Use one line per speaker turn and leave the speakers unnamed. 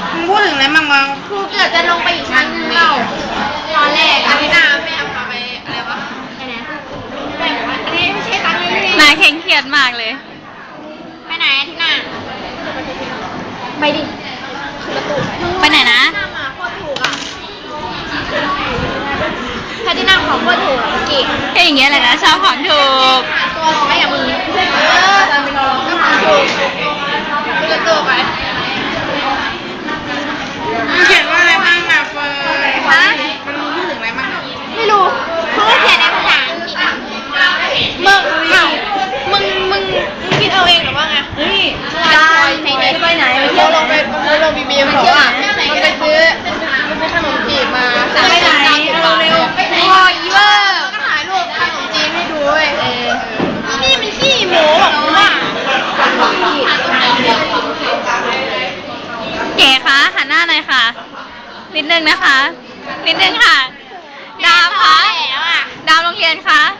มึงพูดถึงอะไรมั่งวะ
ครูเกือบจะลงไปอีกชั้นนึงเราตอนแรกอาทิตย์หน้าแม่พาไปอะไรวะไปไหนแม่บอกว่าอันนี้ไม่ใช่ตังค์เลย
นายเคร่งเครียดมากเลย
ไปไหนอาทิตย์หน้าไปดิ
ไปไหนนะ
หน้ามาโคตรถูกอ่ะอาทิตย์หน้าของโคตรถูกอ่ะเมื่อกี้
ก็อย่างเงี้ยแหละนะชอบของถูก
ตัวร้อยอ่ะมึงตามไปนอนก็ของถูกกูจะตัวไป
มึงเขียนว่าอะไรมั่งอะเฟิร์น
ฮะ
มันพูดถึงอะไรมั่งอะ
ไม่รู้เขาก็เขียนในภาษาอังกฤษอะมึงเอ้ามึงคิดเอาเองหรือว่าไงเฮ้ยจะไปไหนเราลงบีบีเขาอ่ะมันไปซื้อขนมจีบมาสั่งให้ไหนเร็วๆพออีเวอร์ก็ถ่ายรูปขนมจีนให้ดูเว้ยนี่มันขี้หมูบอกว่า
เก๋คะหันหน้าหน่อยค่ะ นิดนึงนะคะ นิดนึงค่ะ ดาวคะ
แล้วอ่ะ
ดาวโรงเรียนคะ